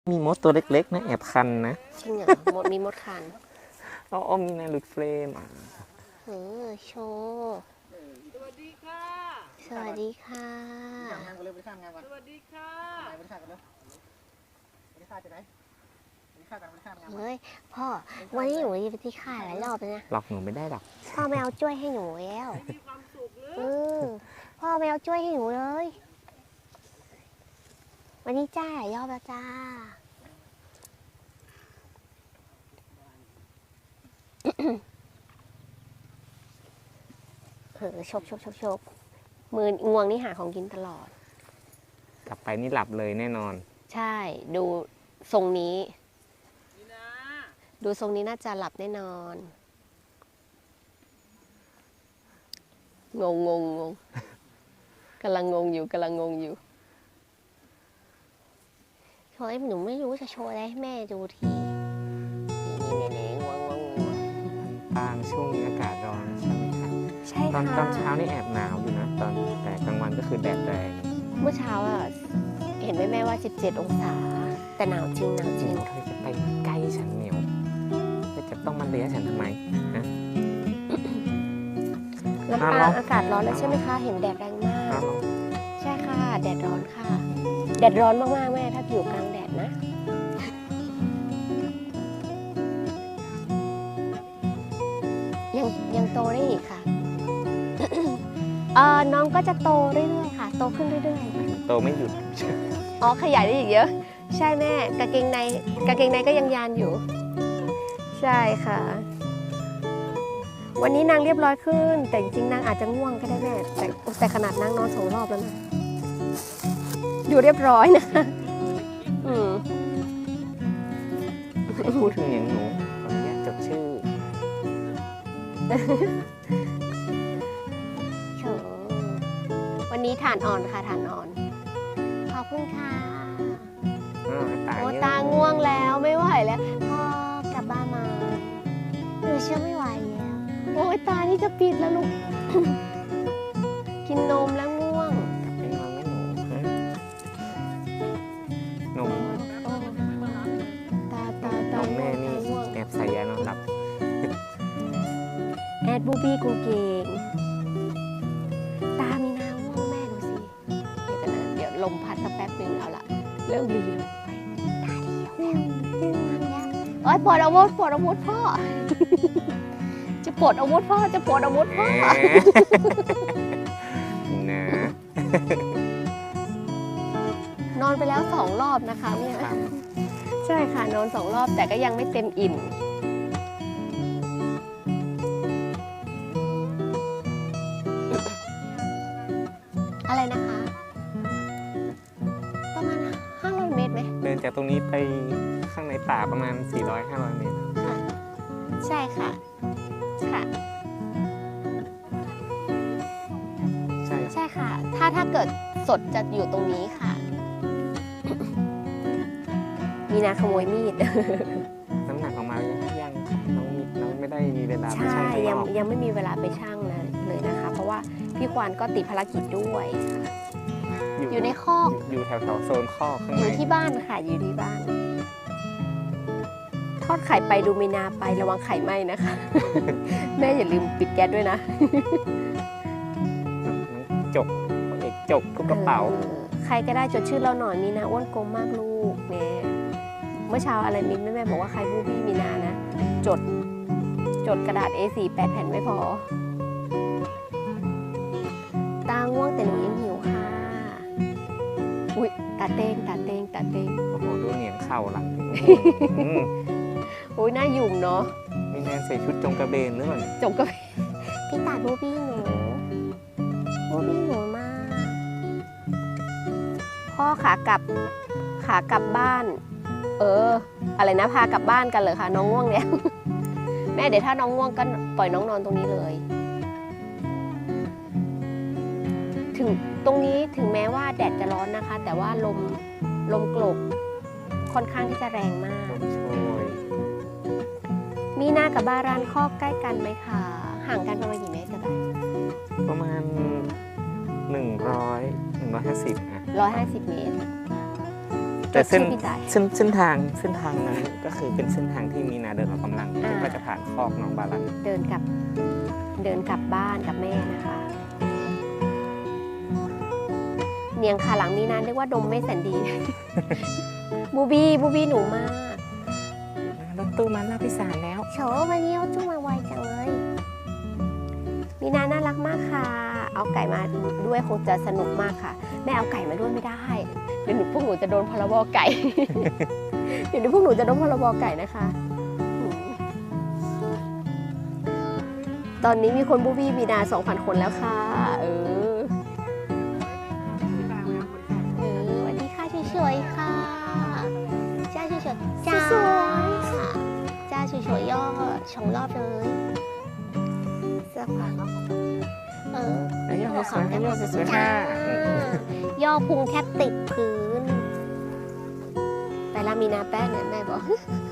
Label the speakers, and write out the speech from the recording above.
Speaker 1: มีมดตัวเล็กๆนะแอบคันนะ
Speaker 2: จริงเหรอมดมีมดคัน
Speaker 1: อ๋อมีในหลุดเฟรม
Speaker 2: โชว์สวัสดีค่ะสวัสดีค่ะ
Speaker 3: งานกันเลยไปข้ามงานกัน
Speaker 2: สวัสดีค่ะ
Speaker 3: ไปข้ามกันเลยไปข้ามจะไหนไปข้ามกันไปข้ามงาน
Speaker 2: เฮ้ยพ่อวันนี้หนูไปที่ค่ายหลายรอบแล้วนะ
Speaker 1: หลอกหนูไม่ได้หรอก
Speaker 2: พ่อไม่เอาจ้วยให้หนูแล้วพ่อไม่เอาจ้วยให้หนูเลยวันนี้จ้าหลายรอบแล้วจ้าชกมืองวงนี่หาของกินตลอด
Speaker 1: กลับไปนี่หลับเลยแน่นอน
Speaker 2: ใช่ดูทรงนี้ดูทรงนี้น่าจะหลับแน่นอนงกำลังงงอยู่โชว์หนูไม่รู้จะโชว์อะไรให้แม่ดูทีนี่งวง
Speaker 1: บางช่วงนี้อากาศร้อนใช่ไหมครับ
Speaker 2: ใช่ค่ะ
Speaker 1: ตอนเช้านี่แอบหนาวอยู่นะแต่กลางวันก็คือแดดแรง
Speaker 2: เมื่อเช้าอ่ะเห็นไหมแม่ว่า17 องศาแต่หนาวจริง
Speaker 1: เธอจะไปใกล้ฉันเหนียวเธอจะต้องมาเลี้ยฉันทำไมนะ
Speaker 2: ลำปางอากาศร้อนแล้วใช่ไหมคะเห็นแดดแรงมากใช่ค่ะแดดร้อนค่ะแดดร้อนมากๆแม่ถ้าอยู่กลางแดดนะยังโตได้อีกค่ะน้องก็จะโตเรื่อยๆค่ะโตขึ้นเรื่อย
Speaker 1: ๆโตไม่หยุด
Speaker 2: อ๋อขยายได้อีกเยอะใช่แม่กางเกงในก็ยังยานอยู่ใช่ค่ะวันนี้นางเรียบร้อยขึ้นแต่จริงๆนางอาจจะง่วงก็ได้แม่แต่ขนาดนางนอน2 รอบแล้วนะอยู่เรียบร้อยนะ
Speaker 1: พูดถึงอย่างหนูขออนุญาตจดชื่อ
Speaker 2: วันนี้ฐานอ่อนค่ะฐานอ่อนขอบคุณค่ะโอ้ตาง่วงแล้วไม่ไหวแล้วพ่อกลับบ้านมาหนูเชื่อไม่ไหวแล้วโอ้ยตานี่จะปิดแล้วลูก กินนมแล้วง่วง
Speaker 1: กลับไปนอนไม่หนูนม
Speaker 2: ตา
Speaker 1: แม่นี่แอบใส่ยานอนหลับ
Speaker 2: แอดบูบี้กูเก่งตามีน้ำง่วงแม่ดูสิเดี๋ยวลมพัดสักแป๊บนึงเอาละเริ่มรีลงไปตาดีแล้วโอ้ยปลดอาวุธพ่อ จะปลดอาวุธพ่อนะนอนไปแล้ว2 รอบนะคะเนี่ยใช่ค่ะนอน2 รอบแต่ก็ยังไม่เต็มอิ่มอะไรนะคะประมาณ500 เมตรไหม
Speaker 1: เดินจากตรงนี้ไปข้างในป่าประมาณ400-500 เมตร
Speaker 2: ค่ะใช่ค่ะใช่ค่ะถ้าเกิดสดจะอยู่ตรงนี้ค่ะมีนาขโมยมีด
Speaker 1: น้ำหนักออกมายังน้องไม่ได้มีเวลาไป
Speaker 2: ชั่
Speaker 1: ง
Speaker 2: ยังไม่มีเวลาไปชั่งเลยนะคะเพราะว่าพี่ควานก็ติดภารกิจด้วยอยู่ในคอก
Speaker 1: อยู่แถวโซนคอกข้างใน
Speaker 2: อยู่ที่บ้านค่ะอยู่ที่บ้านทอดไข่ไปดูมีนาไประวังไข่ไหม้นะคะ แม่อย่าลืมปิดแก๊สด้วยนะ
Speaker 1: จกทุกกระเป๋า
Speaker 2: ใครก็ได้จดชื่อเราหน่อยมีนาอ้วนกลมมากลูกเนี่ยเมื่อเช้าอะไรมินแม่บอกว่าใครบูบี้มีนานะจดกระดาษ A4 8 แผ่นไม่พอตาง่วงแต่หนูยังหิวค่ะอุ๊ยตาเต้ง
Speaker 1: โอ้โหดูเหนียงเข่าหลัง
Speaker 2: อุ๊ยน่ายุ่งเนาะ
Speaker 1: มีแนนใส่ชุดจงกระเบนหรือเปล่า
Speaker 2: จงกระเบนพี่ตาบูบี้หนูมากพ่อขากลับบ้านอะไรนะพากลับบ้านกันเลยค่ะน้องง่วงเนี่ย แม่เดี๋ยวถ้าน้องง่วงก็ปล่อยน้องนอนตรงนี้เลยถึงตรงนี้ถึงแม้ว่าแดดจะร้อนนะคะแต่ว่าลมกลบค่อนข้างที่จะแรงมากมีนากับบารานคอกใกล้กันไหมคะห่างกันประมาณกี่เมตรกัน
Speaker 1: ประมาณ150
Speaker 2: 150 เมตร
Speaker 1: แต่เส้น
Speaker 2: ชื่อพี่จ่าย
Speaker 1: เส้นทางนั้นก็คือเป็นเส้นทางที่มีนาเดินออกกำลังก็จะผ่านคอกน้องบาลัน
Speaker 2: เดินกลับบ้านกับแม่นะคะ เนียงขาหลังมีนาเรียกว่าดมไม่แสนดี บูบี้หนูมาก
Speaker 1: รถตู้มาหน้าพิสารแล้ว
Speaker 2: โฉวันนี้เอาจุ้งมาไวจังเลย มีนาน่ารักมากค่ะ เอาไก่มาด้วยคงจะสนุกมากค่ะ แม่เอาไก่มาด้วยไม่ได้ เดี๋ยวพวกหนูจะโดนพรบไก่ เดี๋ยวพวกหนูจะโดนพรบไก่นะคะอืมตอนนี้มีคนบูบี้มีนา 2,000 คนแล้วค่ะ สวัสดีค่ะเฉยๆค่ะจ้าเฉยๆจ้าจ้าเฉยๆย่อ2 รอบเลยสักพัก
Speaker 1: ย่อสวยๆย่อสวยๆค่ะ
Speaker 2: ย่อพุงแทบติดพื้น ไปละมีนาแป้งเนี่ยแม่บอก